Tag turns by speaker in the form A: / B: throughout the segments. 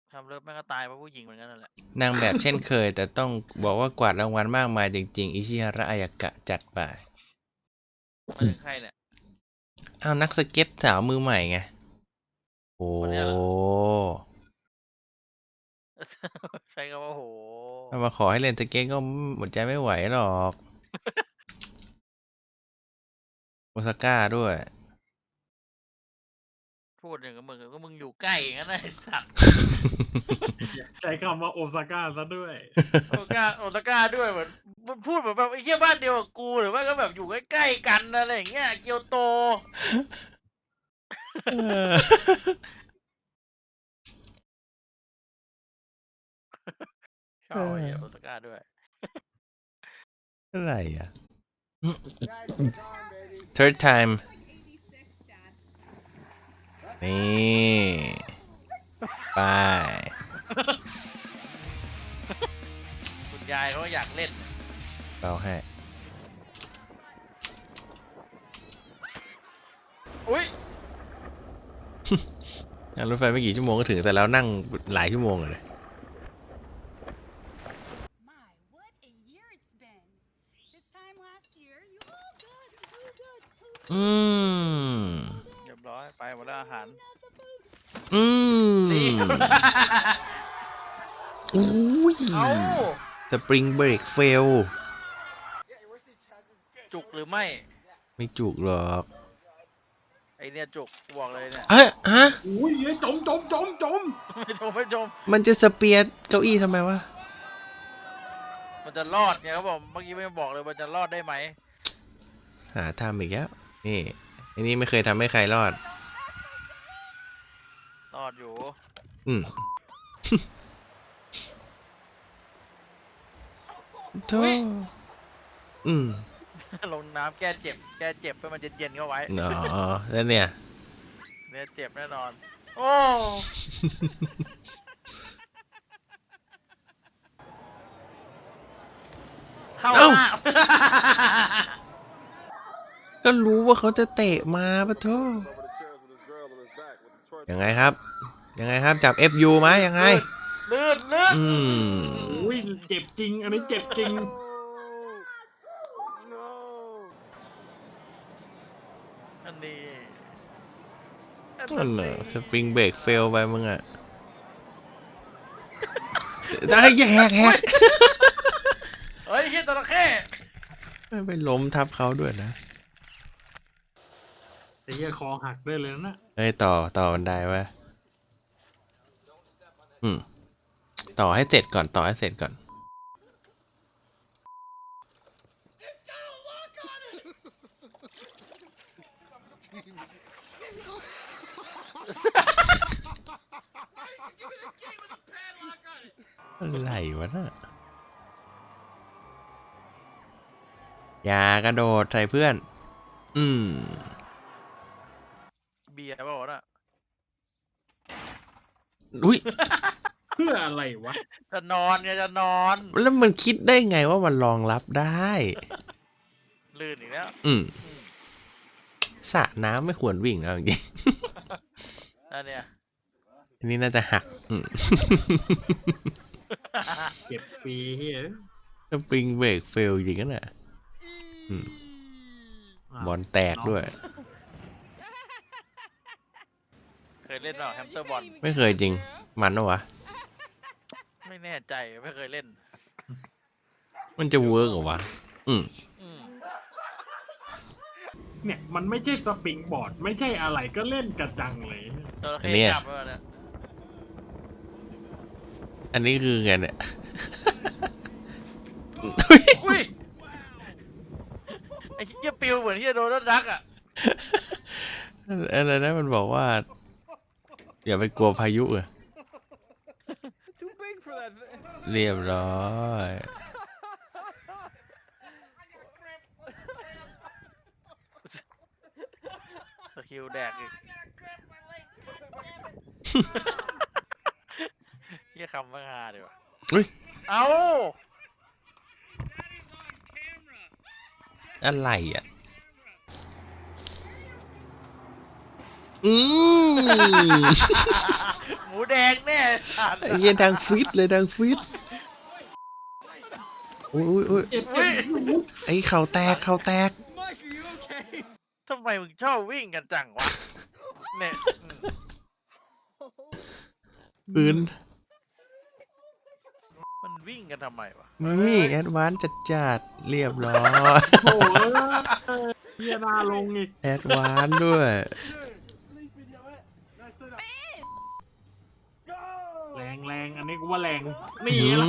A: ทำเลิฟแม่งก็ตายเพราะผู้หญิงเหมือนกันนั่นแหละ
B: นางแบบเช่นเคย แต่ต้องบอกว่ากวาดรางวัลมากมายจริงๆอิชิฮาระอายากะจัดไป
A: มาถึงใครเนี่ย
B: อ้าวนักสเก็ตสาวมือใหม่ไงโอ้
A: คนเนี้ยเหรอ ใช้คำว่าโห
B: ถ้ามาขอให้เล่นสเก็ตก็หมดใจไม่ไหวหรอกโอซาก้าด้วย
A: พูดอย่างกับมึงก็มึงอยู่ใกล้อย่างนั้นนะไอ้สัตว์
C: ใช้คำว่าโอซาก้าซะด้วย
A: โอซาก้าด้วยเหมือนมันพูดเหมือนแบบไอ้เหี้ยบ้านเดียวกับกูหรือว่าก็แบบอยู่ใกล้ๆกันอะไรอย่างเงี้ยเกียวโตชอบไอ้เหี้ยโอซาก้าด้วย
B: อะไรอ่ะ third time นี่ไป
A: คุณยายเขาอยากเล่น
B: เราให้
A: อุ้ย
B: นั่งรถไฟไม่กี่ชั่วโมงก็ถึงแต่แล้วนั่งหลายชั่วโมงเลย
D: My, what a year it's been. This time last year, you all good, good.
B: อืม
A: เรียบร้อยไปหมดแล้วอาหาร
B: อืม
A: นี่
B: อุ้ย
A: เอ้า
B: สปริงเบรกเฟล
A: จุกหรือไม่
B: ไม่จุกหรอก
A: ไอเนี่ยจุกบอกเลยเนี่ย
B: เอ้ยฮะ
C: อุ้ยจม
A: ไม่ชม
B: มันจะสเปียร์เก้าอี้ทำไมวะ
A: มันจะรอดไงเขาบอกเมื่อกี้ไม่บอกเลยมันจะรอดได้ไหม
B: หาทำอีกแล้วนี่อันนี้ไม่เคยทำให้ใครรอด
A: รอดอยู่
B: อืม โธ่
A: อุ๊ย
B: อืม
A: ลงน้ำแก้เจ็บให้มันเย็นๆเข้าไว้
B: อ๋อแล้วเนี่ย
A: เนี่ยเจ็บแน่นอน โอ้ เข้าห
B: เอ้า
A: น้า
B: ก็รู้ว่าเขาจะเตะมาปะโธ่ยังไงครับ ยังไงครับ จับ FU ไหมยังไง
A: ลื่น
B: อืม
C: อุ้ยเจ็บจริง อันนี้เจ็บจริง
A: อันนี้
B: นั่นน่ะสปริงเบรกเฟลไปมึงอ่ะ ได้อย่าแหก
A: เฮ้ยเฮียจระเข้
B: ไม่ไปล้มทับเขาด้วยนะ
C: แต่เหี้ยคอหักได้เลยนะ
B: เฮ้ยต่อบันไดวะต่อให้เสร็จก่อนต่อให้เสร็จก่อน อะไรวะน่ะอย่ากระโดดใส่เพื่อน
A: เบียร์เปล่าวะน่ะ
B: อุ้ย
C: เพื่ออะไรวะ
A: จะนอนไงจะนอน
B: แล้วมันคิดได้ไงว่ามันรองรับได้
A: ลื่นอีกแล้ว
B: สระน้ำไม่ควรวิ่งแล้วจริง
A: อันเนี้ย
B: ๆอันนี้น่าจะหัก
C: เก็บฟรีเฮีย
B: สปริงเบรกเฟลจริงกันน่ะบอลแตกด้วย
A: เคยเล่นเปล่าแฮมสเตอร์บอล
B: ไม่เคยจริง มันนะวะ
A: ไม่แน่ใจไม่เคยเล่น
B: มันจะเวิร์กเหรอวะ
A: อืม
C: เนี่ยมันไม่ใช่สปริงบอร์ด ไม่ใช่อะไรก็เล่นกระจังเลย
A: จระ
B: อั
A: เข้
B: นเนี้ย
A: จับแล้วเนี่ย
B: อันนี้คือไงเนี่ย
A: อุ้ยไอ้เหี้ยปิวเหมือนเหี้ยโดนรักอ่ะ
B: อะไรนะมันบอกว่า อย่าไปกลัวพายุอะเรียบร้อย
A: สกิลแดกอีกเหี้ยคำว่าฮาดีว่ะ
B: อุ้ย
A: เอ้า
B: อะไรอ่ะ
A: หมูแดงแน่สัตว์
B: ไอ้เหี้ยดังฟิตเลยดังฟิตอุ้ย
C: เจ็บ
A: เฮ้ย
B: ไอ้เข่าแตกเข่าแตก
A: ทำไมมึงชอบวิ่งกันจังวะเนี่ย
B: ปืน
A: มันวิ่งกันทำไมวะ
B: นี่แอดวานซ์จัดเรียบร้อย
C: โอ้ยเฮียนาลงอีก
B: แอดวานซ์ด้วย
C: แรงอันนี้กูว่าแรงนี่
B: อื
C: ละ
B: ม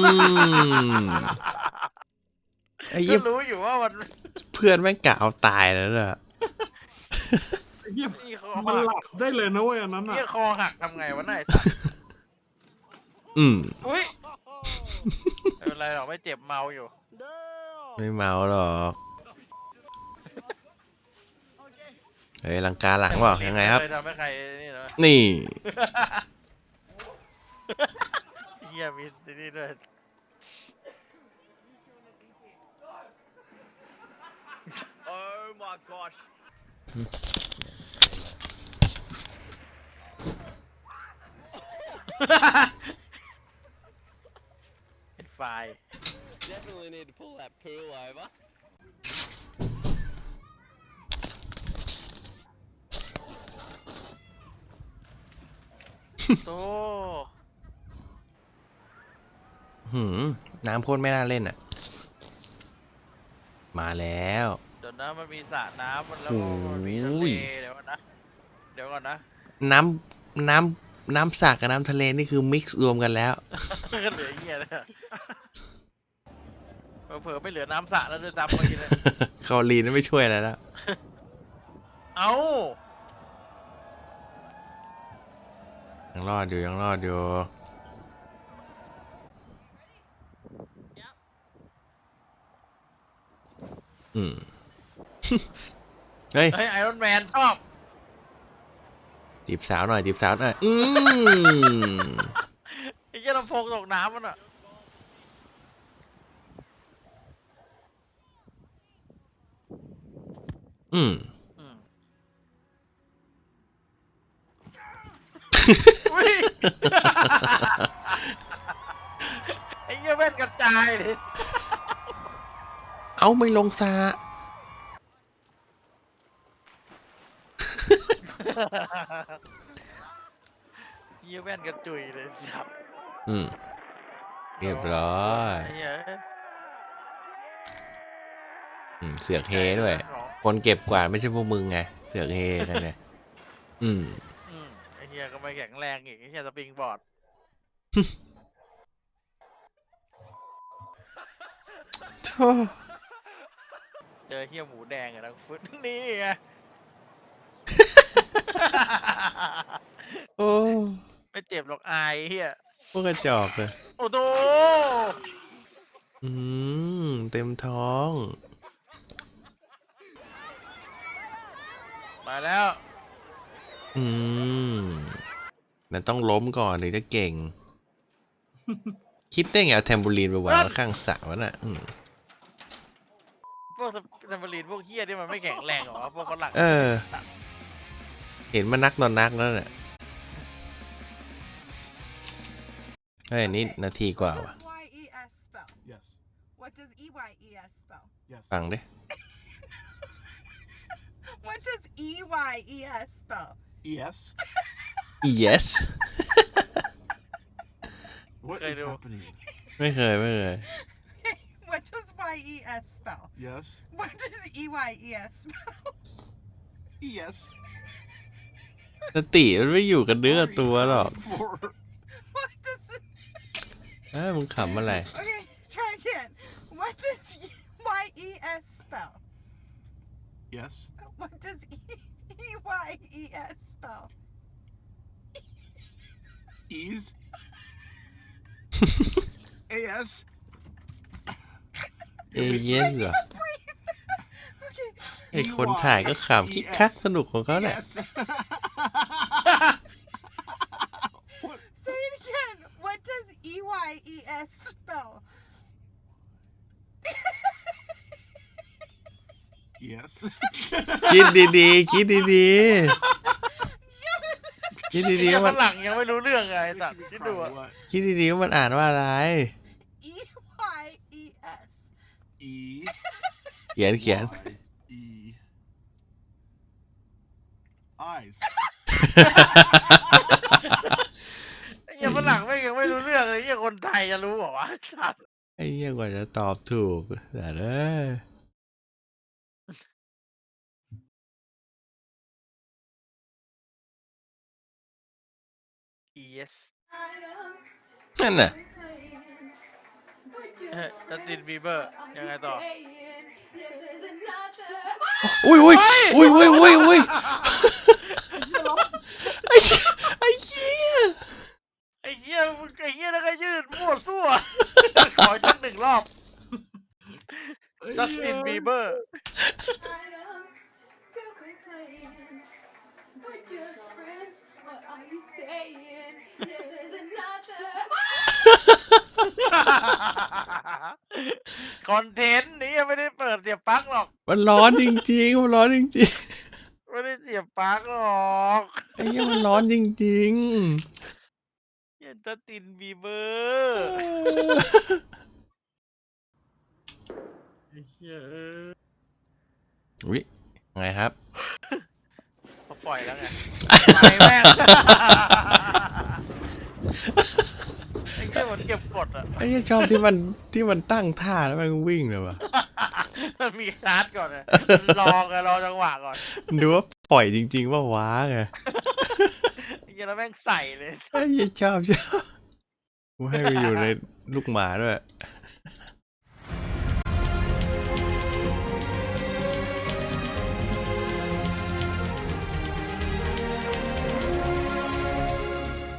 B: ไอ้
A: ก็
B: เหี้ย
A: รู้อยู่ว่ามัน
B: เพื่อนแม่งกะเอาตายแล้วน่ะ
C: เฮีย
A: นี่คอ
C: มัน
A: หั
C: หลั
A: ก
C: บได้เลยนะเว้ยอันนั้นอ่ะ
A: นี่คอหักทำไงวะนายสัตว์ อุ้ยไม่เป็นไรหรอกไม่เจ็บเมาอยู่
B: ไม่เมาหรอกเฮ้ยลังกาหลังเปล่ายังไงครับ
A: เคยทำให้ใครนี่เหรอ
B: นี่
A: เฮียมีนี่ด้วย
E: Oh my gosh.
A: เป็นไฟล์
E: Definitely need to pull that pool over.
A: โต
B: น้ำพ่นไม่น่าเล่นอ่ะ มาแล้ว
A: เดี๋ยวนะมันมีสระน้ำมันแล้ว
B: โอ้
A: ก็
B: โห
A: มันมีทะเลเดี๋ยวก่อนนะเดี๋ยวก่อนนะ
B: น้ำสระกับน้ำทะเลนี่คือมิกซ์รวมกันแล้ว
A: ก็เหลือเหี้ยเลยเผลอๆไม่เหลือน้ำสระแล้วด้วยซ้ำเมื่อกี้เลย
B: คอลีนไม่ช่วยอะไรแล้ว
A: เอ้า
B: ยังรอดอยู่ยังรอดอยู่ เฮ้ย
A: เฮ้ยไอรอนแมนชอบ
B: จีบสาวหน่อยจีบสาวหน่อย
A: ไอ้เหี้ยลำโพงตกน้ำมันอ่ะอืมอุ้ย ไอ้เหี้ยแว่นกระจายเลย
B: เอาไม่ลงซา
A: เหี้ยแว่นกระจุยเลยสับ
B: เรียบร้อย
A: ไอ้เหี้ย
B: เสือกเฮด้วย คนเก็บกวาดไม่ใช่พวกมึงไง เสือกเฮกันเนี่ย
A: ไอ้เหี้ยก็ไม่แข็งแรงอีกไอ้เหี้ยสปริงบอร์ด
B: โธ่
A: เจอเหี้ยหมูแดงอะทั้งฟุตนี่ไง
B: โอ้
A: ไม่เจ็บหรอกอายเหี้ย
B: พวกกระจอกเลย
A: โอ้โห
B: เต็มท้อง
A: มาแล้ว
B: มันต้องล้มก่อนถึงจะเก่ง คิดได้ไงเอาแทมบูรีนไปวางไว้ข้างสระวะน่ะ
A: พวกสมบรีนพวกเหี้ยที่มันไม่แข็งแรงเหรอพวกฝรั่ง
B: เห็นมันนักนอนนักแล้วเนี่ยเฮ้ยนี่นาทีกว่า
F: What
B: ว่ะ
F: does YES spell?
G: Yes.
F: What does EYES spell?
G: Yes.
B: ฟังดิ
F: What does EYES spell?
G: Yes.
B: yes
G: What
A: Okay,
G: is
A: no.
G: happening?
B: ไม่เคย
F: What does YES spell?
G: Yes.
F: What does EYES spell?
G: Yes.
B: สติมันไม่อยู่กับเนื้อกับตัวหรอก
G: For
F: What does it...
B: มึงขำอะไร
F: Okay, try again. What does YES spell?
G: yes.
F: What does EYES spell?
G: Ease. AS.
B: เอเย่นเหรอ
F: Okay,
B: ไอคนถ่ายก็ขำคิกคักสนุกของเขาแหละ
G: Yes.
F: say it again. What does EYES spell?
G: Yes.
B: คิดดีๆ คิดดีคิด
A: ไอ้
B: ดี
A: เหี้ย
B: ๆว่า
A: ฝ
B: มัน
A: รั่งยังไม่รู้เรื่องไงไอ้สัตว์คิดดูอะ
G: What?
B: คิดดีๆว่ามันอ่านว่าอะไร
F: E Y E S.
G: E
B: เขียน
G: Y E eyes.
A: ไอ้เหี้ยฝรั่งไม่งยังไม่รู้เรื่องเลยไอ้เหี้ยคนไทยจะรู้เหรอวะไอ้สัตว์
B: ไอ้เหี้ยกว่าจะตอบถูกแต่เด้อ
A: yes
B: นั่นน่ะ
A: จัสตินบีเบอร์ยังไงต่อ
B: อุ้ยอุ้ยอุ้ยอุ้ยอุ้ยอุ้ยไอ้เหี้ยไอ้เหี้ย
A: ไอ้เหี้ยแล้วก็ยืดมั่วซั่ว ขอจักหนึ่งรอบจัสตินบีเบอร์ คอนเทนต์นี้ยังไม่ได้เปิดเสียบปลั๊กหรอก
B: มันร้อนจริงๆมันร้อนจริง
A: ไม่ได้เสียบปลั๊กหรอก
B: ๆไอ้เหี้ยมันร้อนจริง
A: เหี้ยจัสตินบีเบอร์
C: ไอ้เหี้ย
B: ๆอุ้ยไงครับ
A: เขาปล่อยแล้วไงไปแม่งไอ้เหี้ยมันเก็บกดอ่ะ
B: ไอ้เหี้ยชอบที่มันตั้งท่าแล้วมันวิ่งเลยว่ะ
A: มันมีคาร์ดก่อนเลยรอจังหวะก่อน
B: ดูว่าปล่อยจริงๆว่าว้าไง
A: ไอ้เหี้ยแล้วแม่งใส่เลย
B: ไอ้เหี้ยชอบกูให้ไปอยู่ในลูกหมาด้วย
A: ไ